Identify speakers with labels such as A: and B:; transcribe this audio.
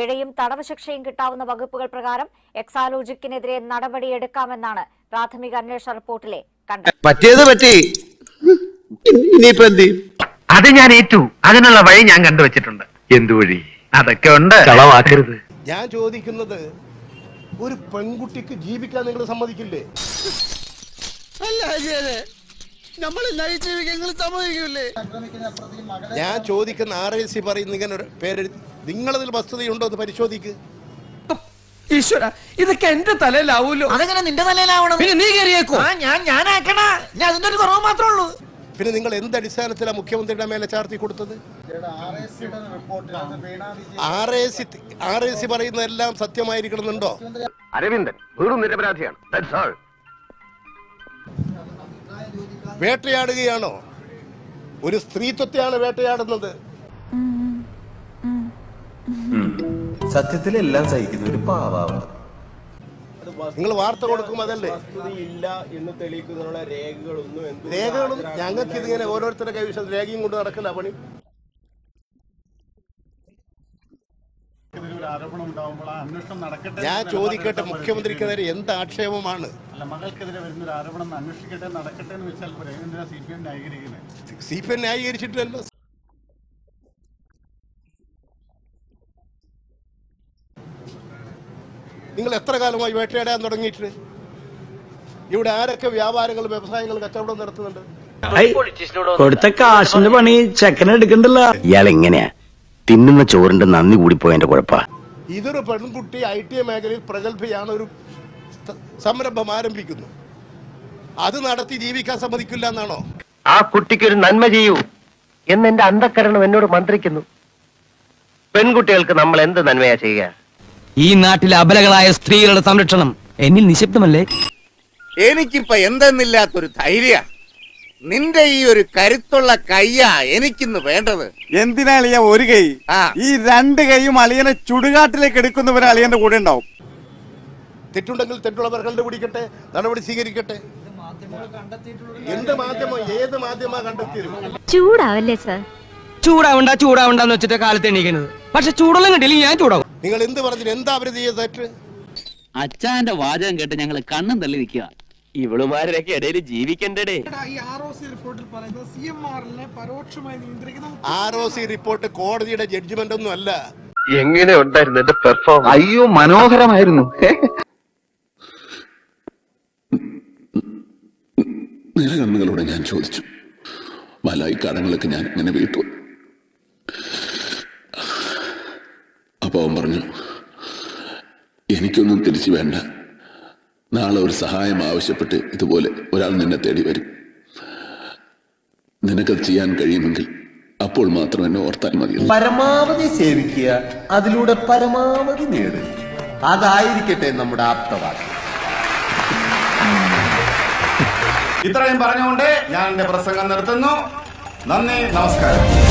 A: പിഴയും തടവ് ശിക്ഷയും കിട്ടാവുന്ന വകുപ്പുകൾ പ്രകാരം എക്സാലോജിക്കിനെതിരെ നടപടിയെടുക്കാമെന്നാണ് പ്രാഥമിക അന്വേഷണ റിപ്പോർട്ടിലെ കണ്ടെത്തൽ.
B: അത് ഞാൻ ഏറ്റു. അതിനുള്ള വഴി ഞാൻ കണ്ടുവച്ചിട്ടുണ്ട്. എന്തു വഴി? അതൊക്കെ ഉണ്ട്. കളവാക്കരുത്.
C: ഞാൻ ചോദിക്കുന്നത്, ഒരു പെൺകുട്ടിക്ക് ജീവിക്കാൻ നിങ്ങൾ സമ്മതിക്കില്ലേ? ഞാൻ ചോദിക്കുന്ന RAC പറയുന്ന ഇങ്ങനെ ഒരു പേര്, നിങ്ങളതിൽ വസ്തുതയുണ്ടോ എന്ന് പരിശോധിക്ക്.
D: ഈശ്വര, ഇതൊക്കെ എന്റെ തലയിലാവൂലോ.
E: അതെങ്ങനെ നിന്റെ തലയിലാവണം?
D: പിന്നെ നീ കയറിയേക്കോ?
E: ഞാനാക്കണ. ഞാൻ അതിന്റെ ഒരു കുറവ് മാത്രമേ ഉള്ളൂ.
C: പിന്നെ നിങ്ങൾ എന്ത് അടിസ്ഥാനത്തിലാണ് മുഖ്യമന്ത്രിയുടെ മേലെ ചാർത്തി കൊടുത്തത്? RAC പറയുന്നതെല്ലാം സത്യമായിരിക്കണമെന്നുണ്ടോ?
B: അരവിന്ദൻ വെറും നിരപരാധിയാണ്.
C: വേട്ടയാടുകയാണോ? ഒരു സ്ത്രീത്വത്തെയാണ് വേട്ടയാടുന്നത്.
F: സത്യത്തിൽ എല്ലാം സഹിക്കുന്ന ഒരു പാവാണ്.
C: നിങ്ങൾ വാർത്ത കൊടുക്കും, അതല്ലേ? രേഖകളും ഞങ്ങൾക്ക് ഇതിങ്ങനെ ഓരോരുത്തരുടെ കൈവശം രേഖയും കൊണ്ട് നടക്കില്ല പണി. ഞാൻ ചോദിക്കട്ടെ, മുഖ്യമന്ത്രിക്കെതിരെ എന്ത് ആക്ഷേപമാണ്? CPM ന്യായീകരിച്ചിട്ടില്ലല്ലോ. നിങ്ങൾ എത്ര കാലമായി വേട്ടയാടാൻ തുടങ്ങിയിട്ട്? ഇവിടെ ആരൊക്കെ വ്യാപാരങ്ങളും വ്യവസായങ്ങളും കച്ചവടം നടത്തുന്നുണ്ട്?
G: കൊടുത്ത കാശിന്റെ പണി ചെക്കനെടുക്കണ്ടല്ല. ഇയാൾ എങ്ങനെയാ തിന്നുന്ന ചോറിന്റെ നന്ദി കൂടിപ്പോയതിന്റെ കുഴപ്പ.
C: ഇതൊരു പെൺകുട്ടി ITA മേഖലയിൽ പ്രഗത്ഭയാണ്, ഒരു സംരംഭം ആരംഭിക്കുന്നു. അത് നടത്തി ജീവിക്കാൻ സമ്മതിക്കില്ല എന്നാണോ?
B: ആ കുട്ടിക്ക് ഒരു നന്മ ചെയ്യൂ എന്ന് എന്റെ അന്ധക്കരണം എന്നോട് മന്ത്രിക്കുന്നു. പെൺകുട്ടികൾക്ക് നമ്മൾ എന്ത് നന്മയാ ചെയ്യുക?
D: ഈ നാട്ടിലെ അബലകളായ സ്ത്രീകളുടെ സംരക്ഷണം എന്നിൽ നിശബ്ദമല്ലേ?
H: എനിക്കിപ്പോ എന്തെന്നില്ലാത്തൊരു ധൈര്യ. നിന്റെ ഈ ഒരു കരുത്തുള്ള കയ്യാ എനിക്കിന്ന് വേണ്ടത്.
I: എന്തിനാ അളിയ ഒരു കൈ? ഈ രണ്ട് കൈയും അളിയനെ ചുടുകാട്ടിലേക്ക് എടുക്കുന്നവരെ അളിയന്റെ കൂടെ ഉണ്ടാവും.
C: തെറ്റുണ്ടെങ്കിൽ തെറ്റുള്ളവർ കണ്ടുപിടിക്കട്ടെ, നടപടി സ്വീകരിക്കട്ടെ. എന്ത് മാധ്യമം, ഏത് മാധ്യമ കണ്ടെത്തിയിരുന്നു?
A: ചൂടാവല്ലേ സാർ?
D: ചൂടാവണ്ടെന്ന് വെച്ചിട്ട് കാലത്ത് എണീക്കുന്നത്. പക്ഷെ ചൂടുള്ള കിട്ടിയില്ല ഞാൻ ചൂടാവും.
C: നിങ്ങൾ എന്ത് പറഞ്ഞു? എന്താ അവര് ചെയ്ത തെറ്റ്?
E: അച്ഛന്റെ വാചകം കേട്ട് ഞങ്ങൾ കണ്ണും തള്ളി നിൽക്കുക.
B: ഇവളുമാരൊക്കെ ഇടയിൽ ജീവിക്കണ്ടേ?
C: ROC റിപ്പോർട്ട് കോടതിയുടെ ജഡ്ജ്മെന്റ് ഒന്നും അല്ല.
B: എങ്ങനെ ഉണ്ടായിരുന്നു എന്റെ പെർഫോമൻസ്?
G: അയ്യോ, മനോഹരമായിരുന്നു.
J: നിറകണ്ണുകളോടെ ഞാൻ ചോദിച്ചു, മലായി കടങ്ങളൊക്കെ ഞാൻ ഇങ്ങനെ വീട്ടു. അപ്പൊ അവൻ പറഞ്ഞു, എനിക്കൊന്നും തിരിച്ചു വേണ്ട. നാളെ ഒരു സഹായം ആവശ്യപ്പെട്ട് ഇതുപോലെ ഒരാൾ നിന്നെ തേടി വരും. നിനക്കത് ചെയ്യാൻ കഴിയുമെങ്കിൽ അപ്പോൾ മാത്രം എന്നെ ഓർത്താൽ മതി.
F: പരമാവധി സേവിക്കുക, അതിലൂടെ പരമാവധി നേടുക. അതായിരിക്കട്ടെ നമ്മുടെ ആപ്തവാക്യം.
H: ഇത്രയും പറഞ്ഞുകൊണ്ട് ഞാൻ എന്റെ പ്രസംഗം നിർത്തുന്നു. നന്ദി, നമസ്കാരം.